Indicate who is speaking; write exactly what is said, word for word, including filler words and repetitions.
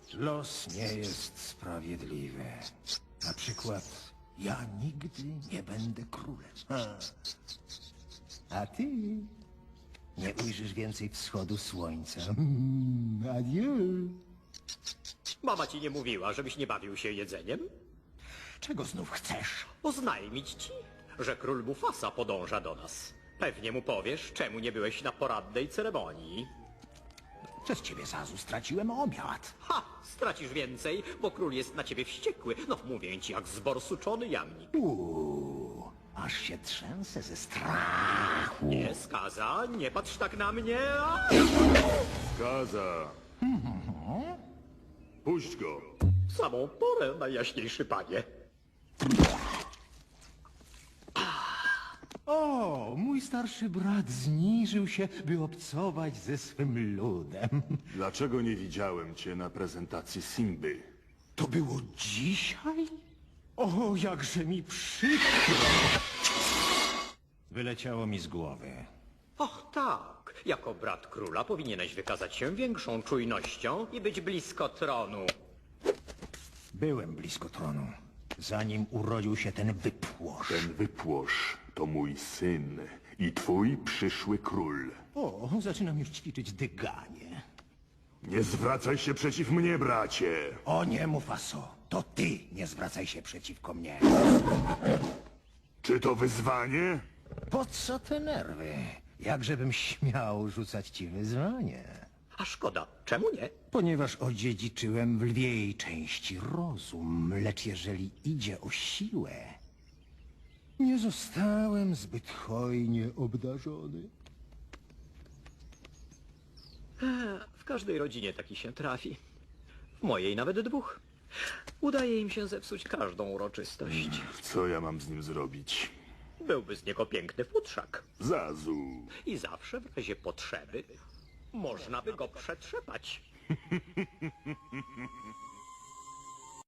Speaker 1: Los nie jest sprawiedliwy. Na przykład ja nigdy nie będę królem. Ha. A ty nie ujrzysz więcej wschodu słońca. Mm, adieu.
Speaker 2: Mama ci nie mówiła, żebyś nie bawił się jedzeniem?
Speaker 1: Czego znów chcesz?
Speaker 2: Oznajmić ci, że król Mufasa podąża do nas. Pewnie mu powiesz, czemu nie byłeś na poradnej ceremonii.
Speaker 1: Przez ciebie, Zazu, straciłem obiad.
Speaker 2: Ha! Stracisz więcej, bo król jest na ciebie wściekły. No, mówię ci, jak zborsuczony jamnik.
Speaker 1: Uuu, aż się trzęsę ze strachu.
Speaker 2: Nie, skaza, nie patrz tak na mnie. A!
Speaker 3: Gaza. Puść go.
Speaker 2: W samą porę, najjaśniejszy panie.
Speaker 1: O, mój starszy brat zniżył się, by obcować ze swym ludem.
Speaker 3: Dlaczego nie widziałem cię na prezentacji Simby?
Speaker 1: To było dzisiaj? O, jakże mi przykro. Wyleciało mi z głowy.
Speaker 2: Och tak, jako brat króla powinieneś wykazać się większą czujnością i być blisko tronu.
Speaker 1: Byłem blisko tronu, zanim urodził się ten wypłosz.
Speaker 3: Ten wypłosz to mój syn i twój przyszły król.
Speaker 1: O, zaczynam już ćwiczyć dyganie.
Speaker 3: Nie zwracaj się przeciw mnie, bracie.
Speaker 1: O nie, Mufaso, to ty nie zwracaj się przeciwko mnie.
Speaker 3: Czy to wyzwanie?
Speaker 1: Po co te nerwy? Jakżebym śmiał rzucać ci wyzwanie?
Speaker 2: A szkoda, czemu nie?
Speaker 1: Ponieważ odziedziczyłem w lwiej części rozum, lecz jeżeli idzie o siłę, nie zostałem zbyt hojnie obdarzony.
Speaker 2: W każdej rodzinie taki się trafi. W mojej nawet dwóch. Udaje im się zepsuć każdą uroczystość.
Speaker 3: Co ja mam z nim zrobić?
Speaker 2: Byłby z niego piękny futrzak.
Speaker 3: Zazu.
Speaker 2: I zawsze w razie potrzeby można by go przetrzepać.